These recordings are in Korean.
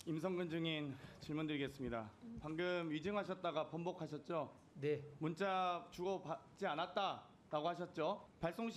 임성근 증인 질문드리겠습니다. 방금 위증하셨다가 번복하셨죠? 네, 문자 주고받지 않았다라고 하셨죠? 발송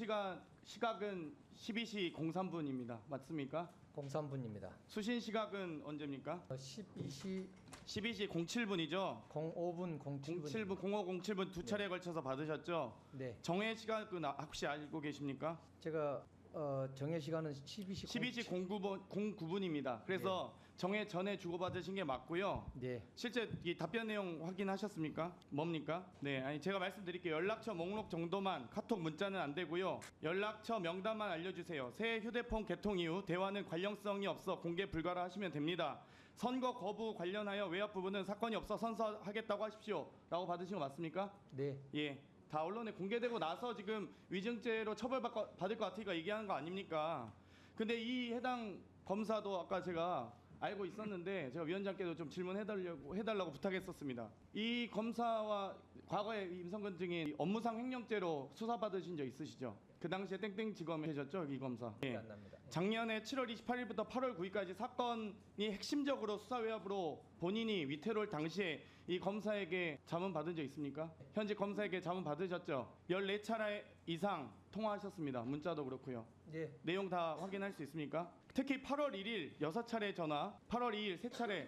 시각은 12시 03분입니다. 맞습니까? 03분입니다. 수신 시각은 언제입니까? 12시 12시 07분이죠? 05분 07분. 07분, 0507분 두 차례 걸쳐서 받으셨죠? 네, 정해 시각은 혹시 알고 계십니까? 제가 정해 시간은 12시 12시 09분입니다. 그래서 정해 전에 주고받으신 게 맞고요. 네, 실제 이 답변 내용 확인하셨습니까? 뭡니까? 네, 아니 제가 말씀드릴게요. 연락처 목록 정도만, 카톡 문자는 안 되고요. 연락처 명단만 알려주세요. 새 휴대폰 개통 이후 대화는 관련성이 없어 공개 불가라 하시면 됩니다. 선거 거부 관련하여 외압 부분은 사건이 없어 선서하겠다고 하십시오라고 받으신 거 맞습니까? 네, 예. 다 언론에 공개되고 나서 지금 위증죄로 처벌받을 것 같으니까 얘기하는 거 아닙니까? 근데 이 해당 검사도 아까 제가 알고 있었는데 제가 위원장께도 좀 질문해달라고 부탁했었습니다. 이 검사와 과거에 임성근 증인 업무상 횡령죄로 수사받으신 적 있으시죠? 그 당시에 땡땡지검에 계셨죠, 이 검사? 기억이 예. 안 납니다. 작년에 7월 28일부터 8월 9일까지 사건이 핵심적으로 수사 외압으로 본인이 위태로울 당시에 이 검사에게 자문 받은 적 있습니까? 현직 검사에게 자문 받으셨죠? 14차례 이상 통화하셨습니다. 문자도 그렇고요. 네, 내용 다 확인할 수 있습니까? 특히 8월 1일 6차례 전화, 8월 2일 3차례,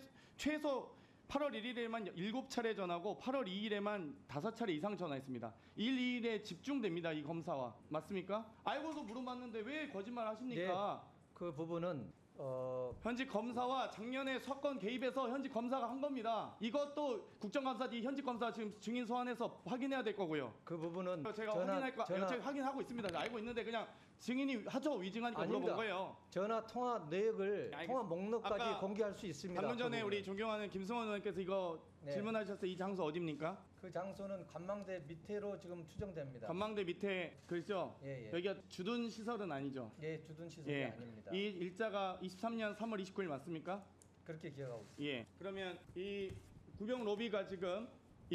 최소 8월 1일에만 7차례 전화고 8월 2일에만 5차례 이상 전화했습니다. 1, 2일에 집중됩니다. 이 검사와. 맞습니까? 알고도 물어봤는데 왜 거짓말 하십니까? 그 부분은 현직 검사와 작년에 사건 개입해서 현직 검사가 한 겁니다. 이것도 국정감사 뒤 현직 검사 지금 증인 소환해서 확인해야 될 거고요. 그 부분은 제가 제가 확인하고 있습니다. 알고 있는데 그냥 증인이 하죠 위증하니까 아닙니다. 물어본 거예요. 전화 통화 내역을 알겠습니다. 통화 목록까지 아까 공개할 수 있습니다. 방금 전에 그 부분은. 우리 존경하는 김승원 의원께서 이거 네. 질문하셨어요. 이 장소 어디입니까? 그 장소는 관망대 밑으로 지금 추정됩니다. 관망대 밑에 그죠? 예, 예. 여기가 주둔 시설은 아니죠? 예, 주둔 시설이 예. 아닙니다. 이 일자가 23년 3월 29일 맞습니까? 그렇게 기억하고 있습니다. 예. 그러면 이 구병 로비가 지금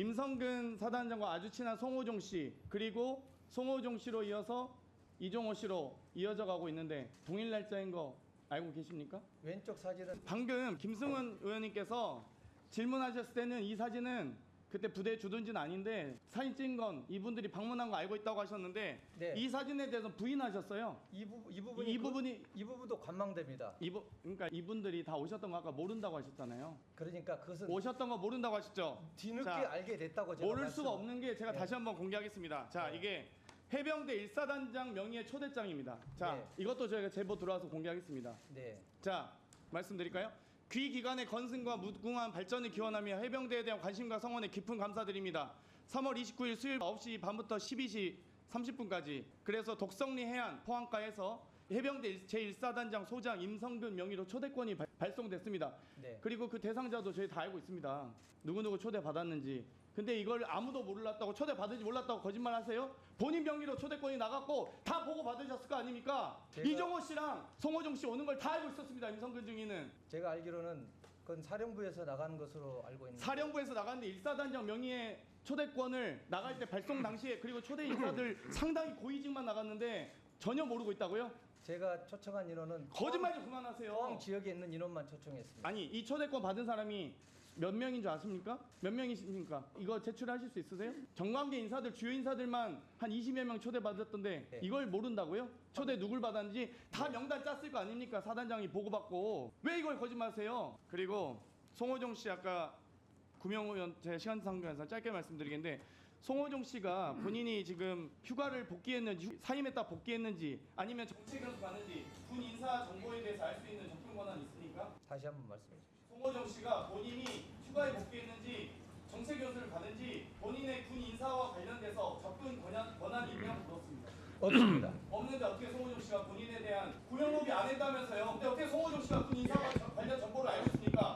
임성근 사단장과 아주 친한 송호종 씨 그리고 송호종 씨로 이어서 이종호 씨로 이어져 가고 있는데 동일 날짜인 거 알고 계십니까? 왼쪽 사진은 방금 김승원 의원님께서 질문하셨을 때는 이 사진은 그때 부대 주둔지는 아닌데 사진 찍은 건 이분들이 방문한 거 알고 있다고 하셨는데 네. 이 사진에 대해서 부인하셨어요. 이 이 부분이 이 부분도 관망대입니다. 그러니까 이분들이 다 오셨던 거 아까 모른다고 하셨잖아요. 그러니까 그것은 오셨던 거 모른다고 하셨죠? 뒤늦게 자, 알게 됐다고 제가 모를 수가 없는 게 제가 네. 다시 한번 공개하겠습니다. 자, 네. 이게 해병대 1사단장 명의의 초대장입니다. 자, 네. 이것도 저희가 제보 들어와서 공개하겠습니다. 네, 자, 말씀드릴까요? 귀 기관의 건승과 무궁한 발전을 기원하며 해병대에 대한 관심과 성원에 깊은 감사드립니다. 3월 29일 수요일 9시 반부터 12시 30분까지 그래서 독성리 해안 포항가에서 해병대 제1사단장 소장 임성근 명의로 초대권이 발송됐습니다. 네. 그리고 그 대상자도 저희 다 알고 있습니다. 누구누구 초대받았는지. 근데 이걸 아무도 몰랐다고 초대받은지 몰랐다고 거짓말 하세요? 본인 명의로 초대권이 나갔고 다 보고 받으셨을 거 아닙니까? 이종호 씨랑 송호종 씨 오는 걸 다 알고 있었습니다. 임성근 증인은. 제가 알기로는 그건 사령부에서 나간 것으로 알고 있는데 사령부에서 나갔는데 1사단장 명의의 초대권을 나갈 때 발송 당시에 그리고 초대 인사들 상당히 고위직만 나갔는데 전혀 모르고 있다고요? 제가 초청한 인원은 거짓말 좀 그만하세요. 포항 지역에 있는 인원만 초청했습니다. 아니 이 초대권 받은 사람이 몇 명인 줄 아십니까? 몇 명이십니까? 이거 제출하실 수 있으세요? 정관계 인사들 주요 인사들만 한 20여 명 초대받았던데 네. 이걸 모른다고요? 초대 누굴 받았는지 다 명단 짰을 거 아닙니까? 사단장이 보고받고 왜 이걸 거짓말하세요? 그리고 송호종 씨 아까 구명호 의원 제 시간상 관계상 짧게 말씀드리겠는데 송호종 씨가 본인이 지금 휴가를 복귀했는지 사임했다 복귀했는지 아니면 정책 연수 가는지 군 인사 정보에 대해서 알 수 있는 접근 권한이 있습니까? 다시 한번 말씀해 주십시오. 송호정 씨가 본인이 휴가에 복귀했는지 정책 연수를 가는지 본인의 군 인사와 관련돼서 접근 권한이 있냐고 물었습니다. 없습니다. 없는데 어떻게 송호정 씨가 본인에 대한 구형로비 안 했다면서요? 근데 어떻게 송호정 씨가 군 인사와 관련 정보를 알고 있습니까?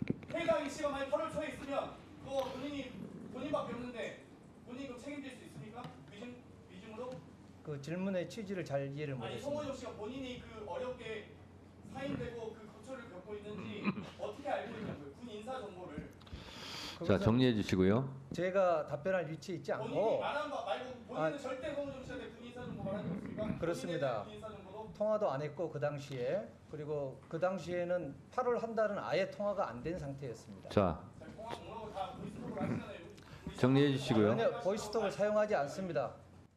해당 씨가 만약 8월 초에 있으면 그거 본인밖에 없는데 본인 그 책임질 수 있습니까? 위증으로? 그 질문의 취지를 잘 이해를 아니 못했습니다. 송호정 씨가 본인이 그 어렵게 사임되고 그 고초를 겪고 있는지 어떻게 알고 있냐고요? 군 인사 정보를. 자, 정리해 주시고요. 제가 답변할 위치에 있지 본인이 않고 말한 거 말고 본인은 절대 송호정 씨한테 군 인사 정보 말한 적 없습니까? 그렇습니다. 군 인사 정보도? 통화도 안 했고 그 당시에, 그리고 그 당시에는 8월 한 달은 아예 통화가 안 된 상태였습니다. 자, 정리해 주시고요. 전혀 보이스톡을 사용하지 않습니다.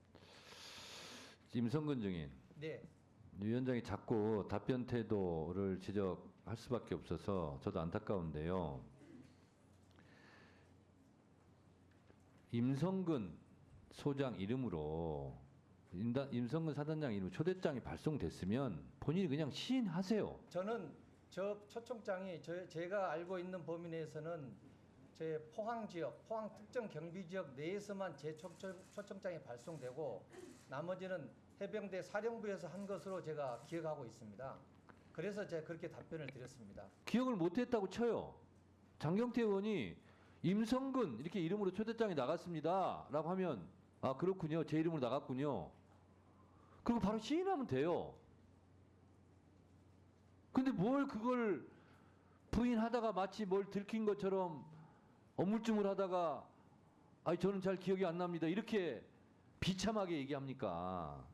임성근 증인, 네. 위원장이 자꾸 답변 태도를 지적할 수밖에 없어서 저도 안타까운데요. 임성근 소장 이름으로 임성근 사단장 이름 초대장이 발송됐으면 본인이 그냥 시인하세요. 저는 저 초청장이 제가 알고 있는 범위 내에서는 제 포항 지역, 포항 특정 경비 지역 내에서만 제 초청장이 발송되고 나머지는 해병대 사령부에서 한 것으로 제가 기억하고 있습니다. 그래서 제가 그렇게 답변을 드렸습니다. 기억을 못했다고 쳐요. 장경태 의원이 임성근 이렇게 이름으로 초대장이 나갔습니다라고 하면 아 그렇군요. 제 이름으로 나갔군요. 그리고 바로 시인하면 돼요. 근데 뭘 그걸 부인하다가 마치 뭘 들킨 것처럼 어물쭈물 하다가 아니 저는 잘 기억이 안 납니다. 이렇게 비참하게 얘기합니까?